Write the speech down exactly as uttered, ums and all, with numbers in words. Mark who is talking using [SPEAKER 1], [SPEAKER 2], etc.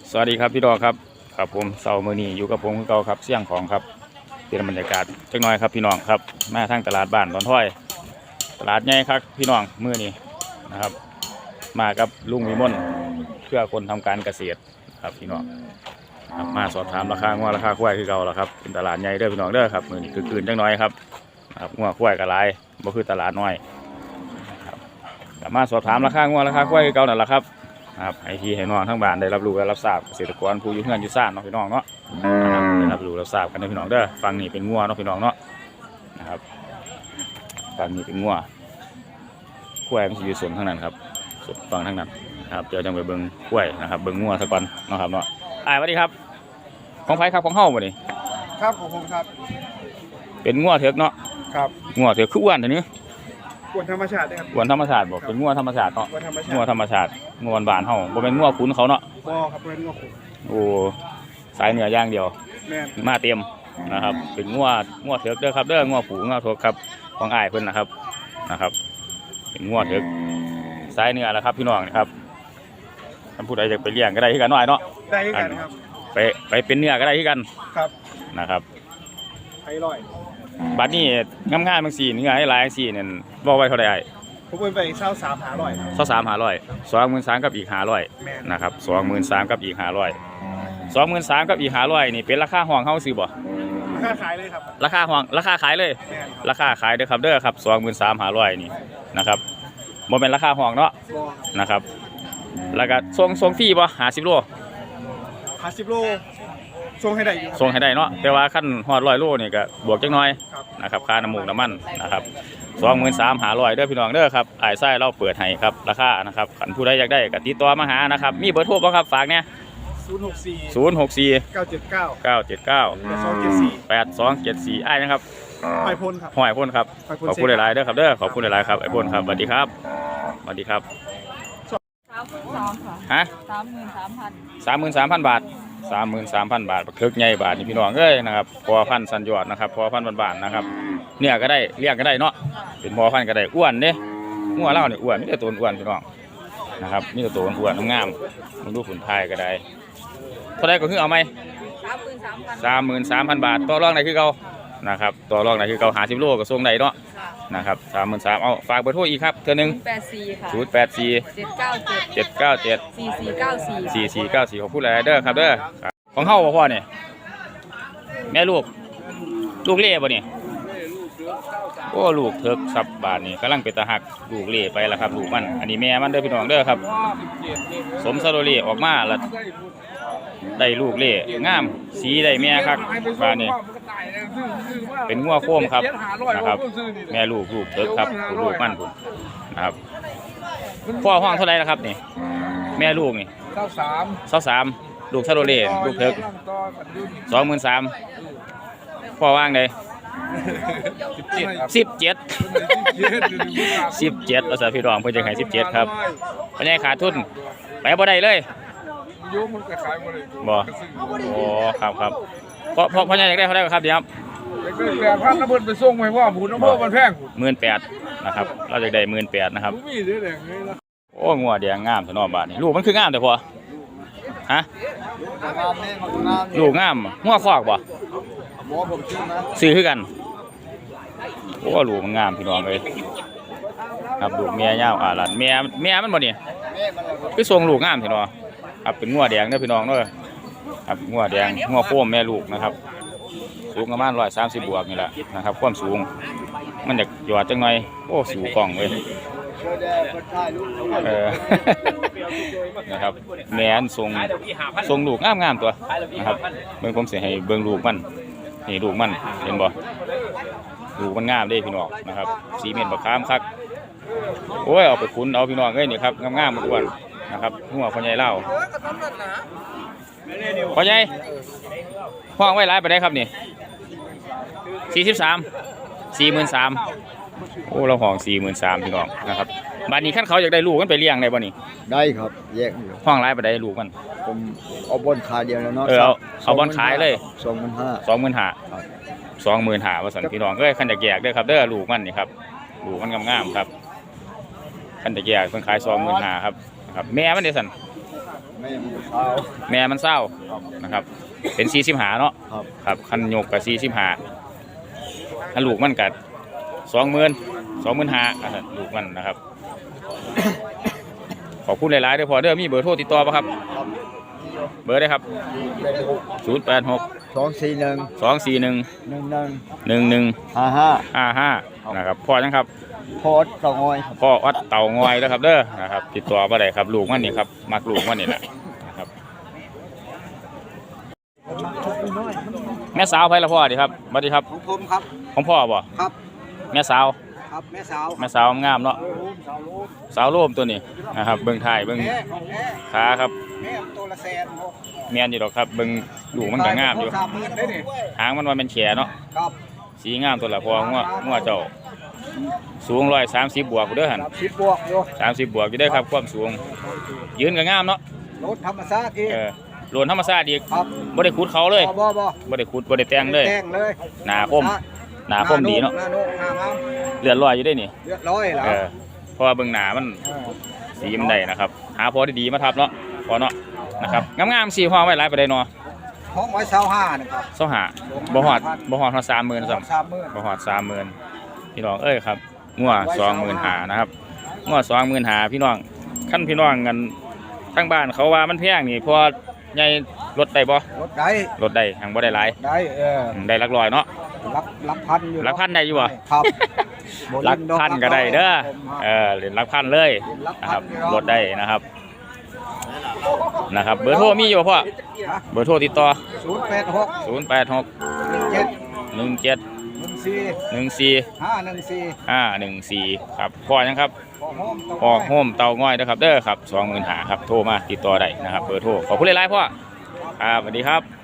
[SPEAKER 1] สวัสดีครับพี่ดอกครับครับผมเสาร์มื้อนี้อยู่กับผมเก่าครับเสี่ยงของครับเป็นบรรยากาศจักหน่อยครับพี่น้องครับมาทางตลาดบ้านตอนถ้อยตลาดใหญ่ครับพี่น้องมื้อนี้นะครับมากับลุงวิมลเพื่อคนทำการเกษตรครับพี่น้องครับมาสอบถามราคางัวราคาควายคือเก่าแล้วครับเป็นตลาดใหญ่เด้อพี่น้องเด้อครับมื้อนี้คือคืนจักหน่อยครับครับงัวควายก็หลายบ่คือตลาดน้อยครับมาสอบถามราคางัวราคาควายคือเก่านั่นแหละครับครับไอทีให้น้องทั้งบ้านได้รับรู้และรับทราบเกษตรกรผู้อยู่เฮือนอยู่ซ่านเนาะพี่น้องเนาะได้รับรู้รับทราบกันนะพี่น้องเด้อฟังนี่เป็นงัวเนาะพี่น้องเนาะนะครับฟังนี่เป็นงัวกล้วยมันจะอยู่ส่วนทั้งนั้นครับส่วนฟังทั้งนั้นครับเดี๋ยวจะไปเบิ้งกล้วยนะครับเบิ้งงัวสักก่อนเนาะครับเนาะอ่าสวัสดีครับของไผครับของเฮาบ่นี่
[SPEAKER 2] ครับของผมครับ
[SPEAKER 1] เป็นงัวเถือกเนาะ
[SPEAKER 2] ครับ
[SPEAKER 1] งัวเถือกคืออ้วนเท่านี้
[SPEAKER 2] กวนธรรมชาตินะครับ
[SPEAKER 1] กวนธรรมชาติบ่เป็นงัวธรรมชาติเนาะงัวธรรมชาติงัวบ้านเฮาบ่เป็นงัวขุนเขาเนาะ
[SPEAKER 2] บ่ครับเป็นงัวขุน
[SPEAKER 1] โอ้สายเนื้อย่างเดียว
[SPEAKER 2] แม่
[SPEAKER 1] มาเต็มนะครับเป็นงัวงัวเถือกเด้อครับเด้องัวผูงัวเถือกครับของอ้ายเพิ่นนะครับนะครับเป็นงัวเถือกสายเนื้อแล้วครับพี่น้องนะครับท่านผู้ใดอยากไปเลี้ยงก็ได้ที่กันหน่อยเนาะ
[SPEAKER 2] ได้ที่กันครับ
[SPEAKER 1] ไปไปเป็นเนื้อก็ได้ที่กัน
[SPEAKER 2] ครับ
[SPEAKER 1] นะครับ
[SPEAKER 2] ไผ่ลอย
[SPEAKER 1] บัดนี้งามๆบางสีเนื้อให้หลายสีเนี่ยบอกไว้เท่าไหร่
[SPEAKER 2] ผมเป็นไปเช่าสามหาร้อย
[SPEAKER 1] เช่าสามหาร้อยสองหมื่นสามกับอีกหาร้อยนะครับสองหมื่นสามกับอีกหาร้อยสองหมื่นสามกับอีกหาร้อยนี่เป็นราคาห้องเฮาซื้อบ่
[SPEAKER 2] ราคาขายเลยครับ
[SPEAKER 1] ราคาห้องราคาขายเลยราคาขายเด้อครับเด้อครับสองหมื่นสามหาร้อยนี่นะครับบ่เป็นราคาห้องเนาะนะครับแล้วก็ส่งส่งฟรีบ่ห้าสิบโล
[SPEAKER 2] ห้าสิบโลส่งให้ได้อยู่
[SPEAKER 1] ส่งให้ได้เนาะแต่ว่าขั้นฮอดร้อยโลนี่ก็บวกจักหน่อยนะครับค่าน้ำมูกน้ำมันนะครับสองหมื่นสามหาร้อยเด้อพี่น้องเด้อครับไอ้ไส้เราเปิดให้ครับราคานะครับขันผู้ใดอยากได้ก็ติดต่อมาหานะครับมีเบอร์โทรบ่ครับฝากเนี่ย
[SPEAKER 2] ศูนย์หกสี่
[SPEAKER 1] ศูนย์หกสี่
[SPEAKER 2] เก้าเจ็ดเก้า
[SPEAKER 1] เก้าเจ็ดเก้า
[SPEAKER 2] แปดสองเจ็ดสี่
[SPEAKER 1] แปดสองเจ็ดสี่ไอ้นะครับ
[SPEAKER 2] หอยพ่นครับ
[SPEAKER 1] หอยพ่นครับขอบคุณหลายๆเด้อครับเด้อขอบคุณหลายๆครับไอ้พ่นครับสวัสดีครับสวัสดีครับ
[SPEAKER 3] สามหมื่นสามค่ะ
[SPEAKER 1] ฮะ
[SPEAKER 3] สามหมื่นสามพัน
[SPEAKER 1] สามหมื่นสามพันบาทสามหมื่นสามพันบาทคึกใหญ่บาทนี่พี่น้องเอ้ยนะครับพอพันสัญญอดนะครับพอพันบาทนะครับเนี่ยก็ได้เลี้ยงก็ได้เนาะเป็นพอพันก็ได้อ้วนเด้งัวเล่าเนี่ยอ้วนมีแต่ตัวอ้วนพี่น้องนะครับมีแต่ตัวอ้วนงามมันดูขุนไทยก็ได้เท่าไรก็คือเอาไหมสามหมื่นสามพันบาทต่อรองไหนคือเขานะครับต่อรองไหนคือเขาหาสิบโลก็ส่งได้เนาะนะครับสามหมื่นสามเอาฝากเบอร์โทรอีกครับเท่านึง
[SPEAKER 3] แปดสี่ค่ะ
[SPEAKER 1] ศูนย์แปดสี่
[SPEAKER 3] เจ็ดเก้าเจ็ด
[SPEAKER 1] เจ็ดเก้าเจ็ด
[SPEAKER 3] สี่สี่เก้าสี่
[SPEAKER 1] สี่สี่เก้าสี่ของผู้ใดเด้อครับเด้อของเฮาพ่อเนี่ยแม่ลูกลูกเล่บ่เนี่ยโอ้ลูกเถิกสับบาทนี่กำลังเป็นตาหักลูกเล่ไปแล้วครับลูกมันอันนี้แม่มันเด้อพี่น้องเด้อครับสมซาโรเล่ออกมาแล้วได้ลูกเล่งามสีได้แม่ครับบาทนี่เป็นงัวโค้มครับนะครับแม่ลูกลูกเถิกครับลูกมันคุณนะครับพ่อห้องเท่าไรนะครับนี่แม่ลูกนี่
[SPEAKER 2] เก้าสาม
[SPEAKER 1] เก้าสามลูกซาโรเล่ลูกเถิกสองหมื่นสามพ่อว่างเลยสิบเจ็ดสิบเจ็ดภาษาพี่รองเพื่อจะให้สิบเจ็ดครับปัญญาขาดทุนไปบ่ได้เลยบ่โอ้ครับครับเพราะเพราะปัญญาอยากได้เขาได้ครับเดี๋ยวครับ
[SPEAKER 2] แปดพันน้ำเบิร์นไปส่งไปว่าผูน้ำเบิร์นมันแพง
[SPEAKER 1] หมื่นแปดนะครับเราจะได้หมื่นแปดนะครับโอ้งัวแดงงามสนอบาทนี่ลูกมันคืองามแต่พอฮะลูกงามงัวคอกบ่ซื้อคือกันโอ้ลูกมันงามพี่น้องเลยครับลูกเมียยาวอ่าหลานเมียเมียมันบ่เนี่ยคือทรงลูกงามพี่น้องครับเป็นงัวแดงเด้อพี่น้องเด้อครับงัวแดงงัวโค้มแม่ลูกนะครับสูงประมาณร้อยสามสิบบวกนี่แหละนะครับความสูงมันจะหยอดจังหน่อยโอ้สูงกล่องเลยเออนะครับแม่นทรงทรงลูกงามงามตัวนะครับเบิ่งผมเสียให้เบิ่งลูกมันนี่ลูกมันเห็นบ่ลูกมันงามเด้พี่น้องนะครับสีเม็ดบักขามคักโอ้ยเอาไปคุ้นเอาพี่น้องเอ้ยนี่ครับงามๆมันอ้วนนะครับหัวพ่อใหญ่เล่าพ่อใหญ่ห้องไว้ร้ายไปได้ครับนี่สี่สิบสามสี่หมื่นสามโอ้เราห้องสี่หมื่นสามพี่น้องนะครับบ้านนี้ขั้นเขาอยากได้ลูกมันไปเลี้ยงได้บ่นี่
[SPEAKER 4] ได้ครับแยก
[SPEAKER 1] ห้องร้ายไปได้ลูกมัน
[SPEAKER 4] ผมเอาบอลขายเดียวแล้วเนาะ
[SPEAKER 1] เออเอาเอาบอลขายเลย
[SPEAKER 4] สองหมื่นห้า
[SPEAKER 1] สองหมื่นห้าสองหมื่นห้าว่าสันพี่น้องเอ้ยขั้นอยากแยกได้ครับเด้อลูกมันนี่ครับลูกมันงามๆครับขั้นอยากแยกเพิ่นขายสองหมื่นห้าครับครับแม่มันเดี๋ยวสัน
[SPEAKER 4] แม่มันเศร้า
[SPEAKER 1] แม่มันเศร้านะครับ เป็นสี่สิบหาเนาะ
[SPEAKER 4] ครับ
[SPEAKER 1] ครับคันโยกกับสี่สิบหาคันลูกมันกัดสองหมื่นสองหมื่นห้าลูกมันนะครับ ขอบคุณหลายๆเด้อพอเด้อมีเบอร์โทรติดต่อป่ะครับ
[SPEAKER 4] ครับ
[SPEAKER 1] เบอร์ได้ครับศูนย์แปดหก
[SPEAKER 4] สองสี่หนึ่ง
[SPEAKER 1] สองสี่หนึ่ง
[SPEAKER 4] หนึ่งหนึ่ง
[SPEAKER 1] หนึ่งหนึ่ง
[SPEAKER 4] ห้าห้า
[SPEAKER 1] ห้าห้านะครับพ่อยังครับ
[SPEAKER 4] โพสต์ต่องอยครับ
[SPEAKER 1] พ่อวัดเต่างอยแล้วครับเด้อนะครับติดต่อมาได้ครับลูกมันนี่ครับมักลูกมันนี่แหละนะครับแม่สาวไผละพ่อดีครับสวัสดีครับ
[SPEAKER 4] ของผมครับ
[SPEAKER 1] ของพ่อบ่
[SPEAKER 4] ครับ
[SPEAKER 1] แม่สาว
[SPEAKER 4] ครับแม่สาว
[SPEAKER 1] แม่สาวงามเนาะ
[SPEAKER 4] สาวลูก
[SPEAKER 1] สาวโลมตัวนี้นะครับเบิ่งถ่ายเบิ่ง
[SPEAKER 4] แม่แม่
[SPEAKER 1] ขาครับ
[SPEAKER 4] แม่ตัวละแสน
[SPEAKER 1] แม่นอยู่ดอกครับเบิ่งลูกมันก็งามอยู่
[SPEAKER 4] สามหมื่นได้นี่
[SPEAKER 1] หางมันว่าเป็นแขเนาะ
[SPEAKER 4] ครับ
[SPEAKER 1] สีงามตัวละพองัวงัวเจ้าสูงร้อยสามสิบบวกอยู่เด้อหัน
[SPEAKER 4] สามสิบบวกอยู่
[SPEAKER 1] สามสิบบวกอยู่เด้อครับความสูงยืนก็งามเนาะ
[SPEAKER 4] รถธรรมชาติอีก
[SPEAKER 1] เออโลนธรรมชาติอีก
[SPEAKER 4] ครับ
[SPEAKER 1] บ่ได้ขุดเขาเลย
[SPEAKER 4] บ่บ่บ่
[SPEAKER 1] บ่ได้ขุดบ่ได้แต่งเลย
[SPEAKER 4] แจ้งเลย
[SPEAKER 1] หนาคมหนาคมดีเนาะ
[SPEAKER 4] หน้าโน้หน้างาม
[SPEAKER 1] เลือดลอยอยู่ได้นี่
[SPEAKER 4] เรียบร้อยแล้ว
[SPEAKER 1] เออเพราะว่าเบิ่งหนามันสีมันได้นะครับ หาพอดีๆมาทับเนาะพอเนาะนะครับงามๆสีห้องไว้หลายปานใดเนาะ
[SPEAKER 4] ห้องไว้เช่าห้านะครับ
[SPEAKER 1] เซาหาบ่ฮอดบ่ฮอดเท่าสามหมื่นซ้ำ
[SPEAKER 4] สามหมื่น
[SPEAKER 1] บ่ฮอดสามหมื่นพี่น้องเอ้ยครับงัวสองหมื่นหานะครับงัวสองหมื่นหาพี่น้องขั้นพี่น้องกันทั้งบ้านเขาว่ามันแพงนี่พอใหญ่ลดได้บ่
[SPEAKER 4] รถได้
[SPEAKER 1] ลดได้หังบ่ได้หลาย
[SPEAKER 4] ได้เออ
[SPEAKER 1] อืมได้หลักร้อยเนาะ
[SPEAKER 4] รับรับพันอยู่
[SPEAKER 1] หลักพันได้อยู่บ่
[SPEAKER 4] ครับ
[SPEAKER 1] หลักพันก็ได้เด้อเออเหรียญหลักพันเลยนะครับลดได้นะครับนะครับเบอร์โทรมีอยู่บ่พ่อเบอร์โทรติดต่อ
[SPEAKER 4] ศูนย์แปดหก
[SPEAKER 1] ศูนย์แปดหก
[SPEAKER 4] เจ็ด
[SPEAKER 1] หนึ่งเจ็ด
[SPEAKER 4] หนึ่งสี่
[SPEAKER 1] หนึ่งสี่
[SPEAKER 4] ห้าหนึ่งสี่
[SPEAKER 1] ห้าหนึ่งสี่ครับพ่อยังครับ
[SPEAKER 4] ขอโฮม
[SPEAKER 1] พ่อโฮมเตาง่อยนะครับเด้อครับสองหมื่นหาครับโทรมาติดต่อได้นะครับเบอร์โทรขอบคุณหลายๆพ่อครับสวัสดีครับ